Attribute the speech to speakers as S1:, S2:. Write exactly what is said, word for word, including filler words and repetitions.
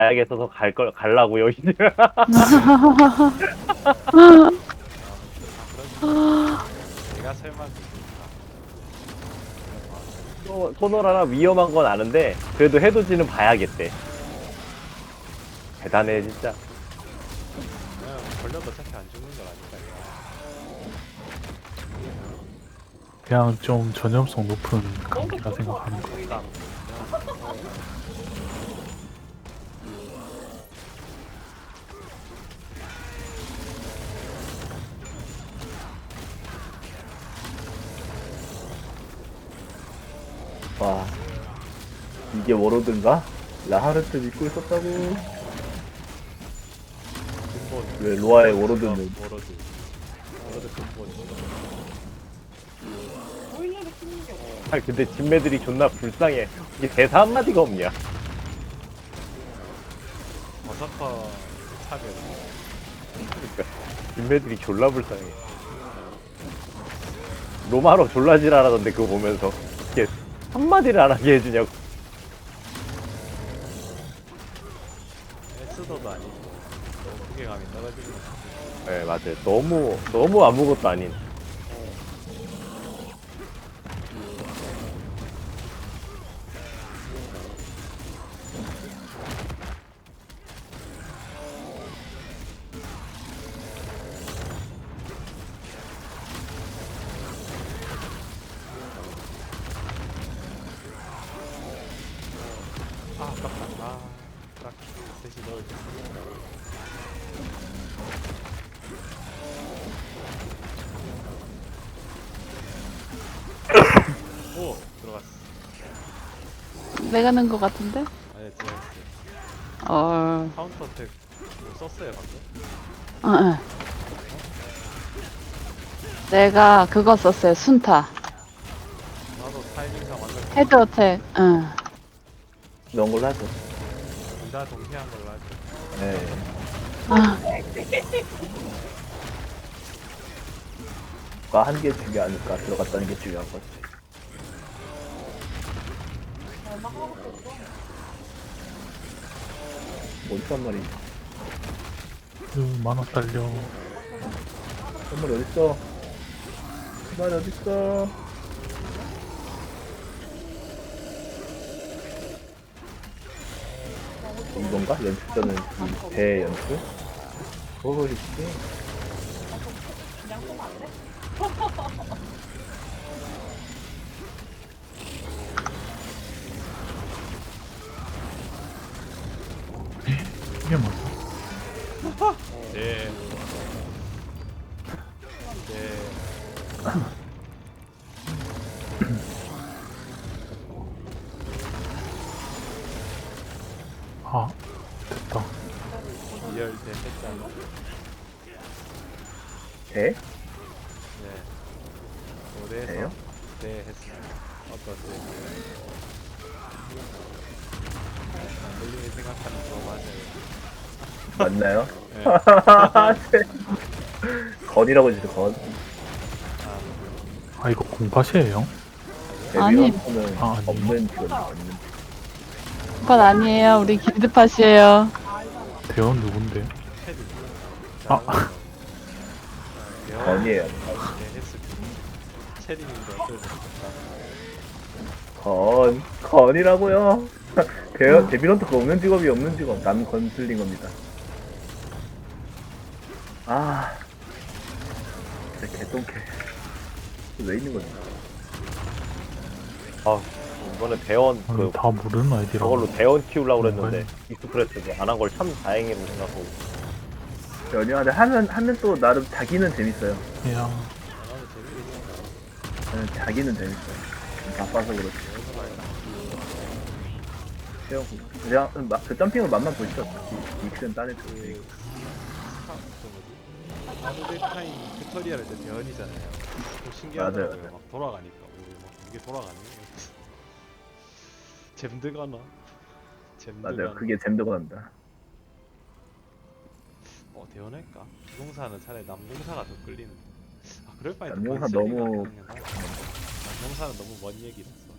S1: 가야겠어서 갈 걸 갈라고요 이제.
S2: 내가 설마
S1: 또 소노라라 위험한 건 아는데 그래도 해돋이는 봐야겠대. 대단해 진짜.
S2: 그냥 걸려도 어차피 안 죽는 건 아니까.
S3: 그냥 좀 전염성 높은 감기라 생각하는 거.
S2: 그러니까
S4: 와, 이게 워로드인가? 라하르트 믿고 있었다고.
S2: 근본
S4: 왜 로아의 워로드는
S2: 워로드 워로드 근본.
S1: 아 근데 진매들이 존나 불쌍해. 이게 대사 한마디가 없냐.
S2: 버서커 차별.
S1: 그러니까 진매들이 졸라 불쌍해. 로마로 졸라 지랄하던데 그거 보면서 이게 한마디를 안 하게 해주냐고.
S2: 에스더도 아니고 너무 무게감이 떨어지는 것 같아.
S1: 네 맞아요. 너무 너무 아무것도 아닌.
S2: 아 아깝다. 아 딱 대신 넣을 때. 오 들어갔어.
S5: 내가 는 거 같은데?
S2: 아니 들어갔어.
S5: 어,
S2: 카운터 어택 뭐 썼어요 방금?
S5: 어, 어. 내가 그거 썼어요. 순타.
S2: 나도 타이밍상 완전
S5: 헤드 어택. 응.
S4: 이런 걸로 하죠.
S2: 둘다 동시한 걸로 하죠.
S4: 네.
S5: 아,
S4: 가 한 개 중요 않을까 들어갔다는 게 중요한 거지. 어딨단 말이지?
S3: 그 만원 딸려.
S4: 선물이 어딨어? 선물이 어딨어? 이건가? 연습전은 대연습? 그거 있지.
S3: 이게 뭐야?
S2: 네. 네.
S3: 아, 됐다.
S2: 이열 대 했잖아.
S4: 대?
S2: 네. 올해에서
S4: 대요?
S2: 네 했어요. 어떠세요? 본인이 생각하는 거 맞아요.
S4: 맞나요?
S2: 네.
S4: 건이라고 해주세요, 건.
S2: 아,
S3: 아, 이거 공팟이에요?
S5: 아니.
S4: 데뷔런트는
S3: 아, 아니요.
S4: 없는 직원이 없는.
S5: 그건 아니에요. 우리 길드팟이에요.
S3: 대원 누군데?
S2: 테디.
S3: 아.
S4: 건이에요.
S2: 네 했을 때. 체리님도 어떨 것 같다.
S4: 건. 건이라고요. 데, 데뷔런트가 없는 직업이 없는 직업. 남 건슬린 겁니다. 아. 진짜 개똥개. 왜 있는 거지?
S1: 아 이번에 대원
S3: 아니,
S1: 그
S3: 다 모르는 아이디라고.
S1: 저걸로 대원 키우려고 그랬는데
S3: 뭔가요?
S1: 익스프레스도 안 한 걸 참 다행이라고 생각하고.
S4: 전혀. 근데 하면, 하면 또 나름 자기는 재밌어요.
S3: 그냥
S2: 나도 재밌겠다.
S4: 저는 자기는 재밌어요. 바빠서 그렇지. 그냥, 그냥 마- 그 점핑을 맛만 보시죠. 이- 익스는 딴 애들.
S2: 그 스타 그 뭐지? 아드데타임 튜토리얼 할 때 대원이잖아요. 좀 신기하더라고요.
S4: 맞아요.
S2: 막 돌아가니까 오, 막 이게 돌아가네. 잼드가나? 잼드가나?
S4: 맞아요. 그게 잼드가 난다.
S2: 어 대원할까? 기공사는 차라리 남공사가 더 끌리는데. 아 그럴 바에
S4: 남공사 너무-
S2: 남공사는 너무 먼 얘기라서.